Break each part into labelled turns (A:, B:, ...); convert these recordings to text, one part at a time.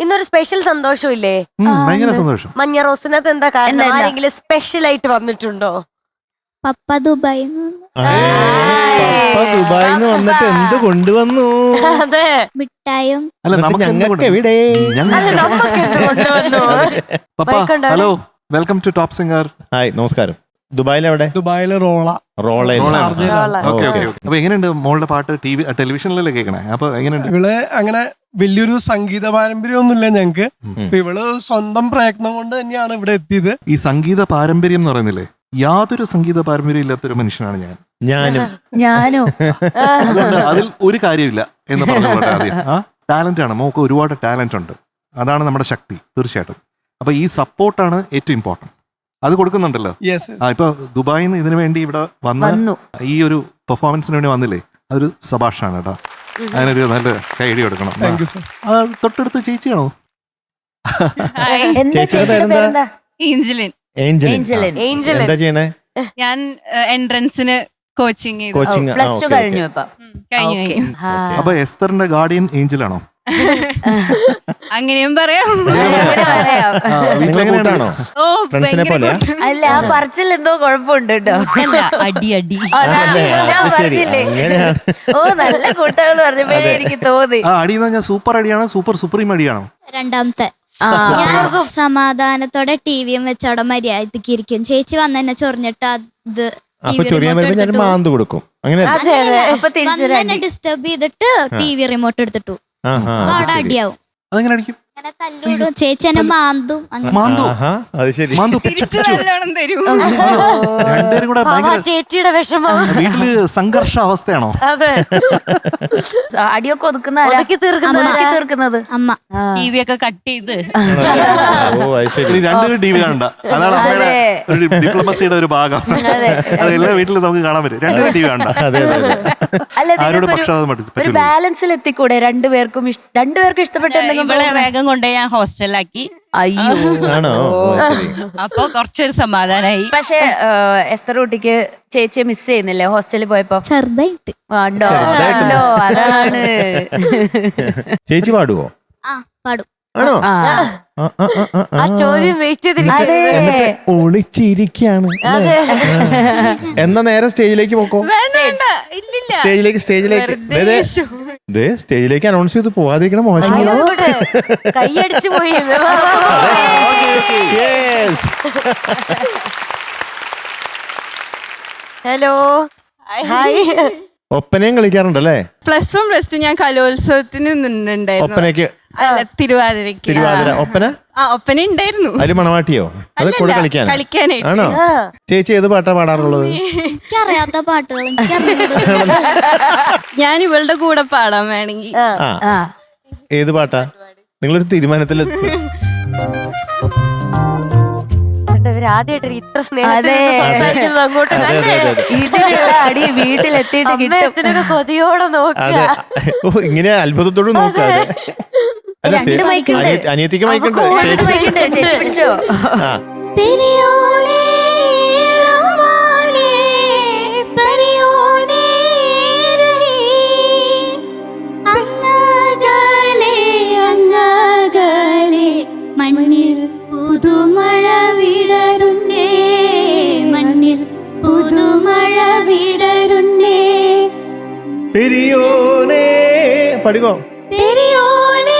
A: ഇന്നൊരു സ്പെഷ്യൽ സന്തോഷമില്ലേ?
B: ഭയങ്കര സന്തോഷം.
A: മഞ്ഞ റോസിനകത്ത് എന്താ കാരണം? ആരെങ്കിലും സ്പെഷ്യൽ ആയിട്ട് വന്നിട്ടുണ്ടോ?
C: പപ്പ ദുബായി
D: ദുബായിന്ന് വന്നിട്ട് എന്ത് കൊണ്ടുവന്നു?
A: അതെ,
C: മിഠായും.
B: അല്ല
D: ഞങ്ങൾക്ക് എവിടെ?
B: Hello, welcome to top singer.
D: Hi, നമസ്കാരം. ദുബായിലെവിടെ?
E: ദുബായില് റോള.
B: അപ്പൊ എങ്ങനെയുണ്ട് മോളുടെ പാട്ട്? ടെലിവിഷനിലല്ലേ കേൾക്കണേ? അപ്പൊ എങ്ങനെയുണ്ട്?
E: ഇവള് അങ്ങനെ വലിയൊരു സംഗീത പാരമ്പര്യമൊന്നുമില്ല ഞങ്ങക്ക്. ഇവള് സ്വന്തം പ്രയത്നം കൊണ്ട് തന്നെയാണ് ഇവിടെ എത്തിയത്.
B: ഈ സംഗീത പാരമ്പര്യം എന്ന് പറയുന്നില്ലേ, യാതൊരു സംഗീത പാരമ്പര്യം ഇല്ലാത്തൊരു മനുഷ്യനാണ്
D: ഞാനും.
B: അതുകൊണ്ട് അതിൽ ഒരു കാര്യമില്ല എന്ന് പറഞ്ഞോട്ടെ. ആദ്യം ടാലന്റ് ആണ്, മോക്ക് ഒരുപാട് ടാലന്റ് ഉണ്ട്. അതാണ് നമ്മുടെ ശക്തി, തീർച്ചയായിട്ടും. അപ്പൊ ഈ സപ്പോർട്ടാണ് ഏറ്റവും ഇമ്പോർട്ടന്റ്. അത് കൊടുക്കുന്നുണ്ടല്ലോ. ഇപ്പൊ ദുബായിൽ നിന്ന് ഇതിനു വേണ്ടി ഇവിടെ വന്നു ഈ ഒരു പെർഫോമൻസിന് വേണ്ടി വന്നില്ലേ, അതൊരു സഭാഷാണ് കേട്ടോ. അതിനൊരു നല്ല കൈയടി കൊടുക്കണം. തൊട്ടടുത്ത് ചേച്ചിയാണോ?
D: എന്താ ചെയ്യണേ?
F: ഞാൻ എൻട്രൻസിന് കോച്ചിങ്
D: കഴിഞ്ഞു.
B: അപ്പൊ എസ്തറിന്റെ ഗാർഡിയൻ ഏഞ്ചൽ ആണോ?
F: അങ്ങനെയും പറയാം.
D: ഓ, ഫ്രണ്ട്സിനെ പോലെയാ?
G: അല്ല, ആ പറച്ചിൽ എന്തോ കുഴപ്പമുണ്ട് കേട്ടോ.
F: അടി
G: ഓ, നല്ല കൂട്ടുകൾ പറഞ്ഞപ്പോഴേ എനിക്ക് തോന്നി.
B: അടി എന്ന് പറഞ്ഞാൽ സൂപ്പർ അടിയാണോ സൂപ്പർ സുപ്രീം അടിയാണോ?
C: രണ്ടാമത്തെ. ഞാൻ സമാധാനത്തോടെ ടിവിയും വെച്ച് അവിടെ മര്യാദക്ക് ഇരിക്കും. ചേച്ചി വന്നെന്നെ ചൊറിഞ്ഞിട്ട് അത്
D: മാന്ത് കൊടുക്കും. അങ്ങനെ
C: ഡിസ്റ്റർബ് ചെയ്തിട്ട് ടിവി റിമോട്ട് എടുത്തിട്ടു. അവിടെ അടിയാവും.
B: അതെങ്ങനെ അടിക്കും?
C: തല്ലൂടും. ചേച്ചി എന്നെ മാന്തും.
B: രണ്ടുപേരും കൂടെ
A: ചേച്ചിയുടെ വിഷമം.
B: വീട്ടില് സംഘർഷ അവസ്ഥയാണോ?
A: അതെ,
G: അടിയൊക്കെ തീർക്കുന്നത്
C: അമ്മ.
F: ടി വി ഒക്കെ കട്ട് ചെയ്ത്
B: രണ്ടുപേരും ടി വി കാണണ്ട. അതാണ് അമ്മയുടെ ഒരു ഡിപ്ലോമസിയുടെ ഒരു ഭാഗം. അത് എല്ലാ വീട്ടിലും നമുക്ക് കാണാൻ പറ്റും. രണ്ടുപേരും ടി വി കാണണ്ട. ആരോട് പക്ഷപാതം
G: ഒരു ബാലൻസിൽ എത്തിക്കൂടെ? രണ്ടുപേർക്കും ഇഷ്ടപ്പെട്ട
F: വേഗം കൊണ്ടുപോയി ഞാൻ ഹോസ്റ്റലിലാക്കി.
G: അയ്യോ,
F: അപ്പൊ കുറച്ചൊരു സമാധാനായി.
G: പക്ഷെ എസ്തർ കുട്ടിക്ക് ചേച്ചിയെ മിസ് ചെയ്യുന്നില്ലേ ഹോസ്റ്റലിൽ പോയപ്പോ?
C: ചെറുതായിട്ട്.
G: അതാണ്.
D: ചേച്ചി പാടുവോ?
C: പാടും.
D: ആണോ?
A: ആ ചോദ്യം വെയിറ്റ് ചെയ്തിരിക്കുന്നത്.
D: ഒളിച്ചിരിക്കാണ്. എന്നാ നേരെ സ്റ്റേജിലേക്ക് പോക്കോ. സ്റ്റേജിലേക്ക് അനൗൺസ് ചെയ്ത് പോവാതിരിക്കണം. മോശം.
A: കൈയടിച്ചു പോയി. Hello, hi.
D: ഒപ്പനയും കളിക്കാറുണ്ടല്ലേ?
F: +1 +2 ഞാൻ കലോത്സവത്തിന് നിന്നിട്ടുണ്ടായിരുന്നു.
D: ഒപ്പനയ്ക്ക്?
F: അല്ല, തിരുവാതിരക്ക്.
D: ഒപ്പന?
F: ഒപ്പന ഉണ്ടായിരുന്നു.
D: അതിൽ മണവാട്ടിയോ? അത് കൂടെ കളിക്കാനായിട്ട് ആണോ? ചേച്ചി ഏത് പാട്ടാ പാടാറുള്ളത്?
C: എനിക്കറിയാത്ത പാട്ടുകൾ
F: ഞാൻ ഇവളുടെ കൂടെ പാടാൻ വേണമെങ്കിൽ.
D: ഏത് പാട്ടാ? നിങ്ങളൊരു തീരുമാനത്തിൽ
A: ആദ്യമായിട്ട് ഇത്ര സ്നേഹത്തോടെ അങ്ങോട്ട്
G: അടി വീട്ടിലെത്തിയിട്ട് കിട്ടും.
A: കൊതിയോടെ നോക്കുക.
D: ഇങ്ങനെ അത്ഭുതത്തോട് നോക്കാതെ. അനിയത്തിക്ക് മൈക്കുണ്ട്.
G: ചേച്ചി പിടിച്ചോ?
C: മണ്ണിൽ പുതുമഴ വിടരുന്നേ, മണ്ണിൽ പുതുമഴ വിടരുന്നേ.
D: പെരിയോനേ പാടിക്കോ.
C: പെരിയോനേ.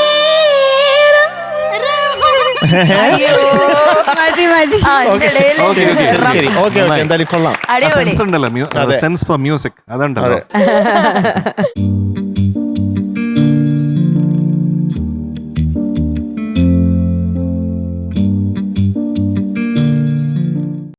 D: എന്തായാലും കൊള്ളാം.
B: സെൻസ് ഫോർ മ്യൂസിക് അതുണ്ടല്ലോ.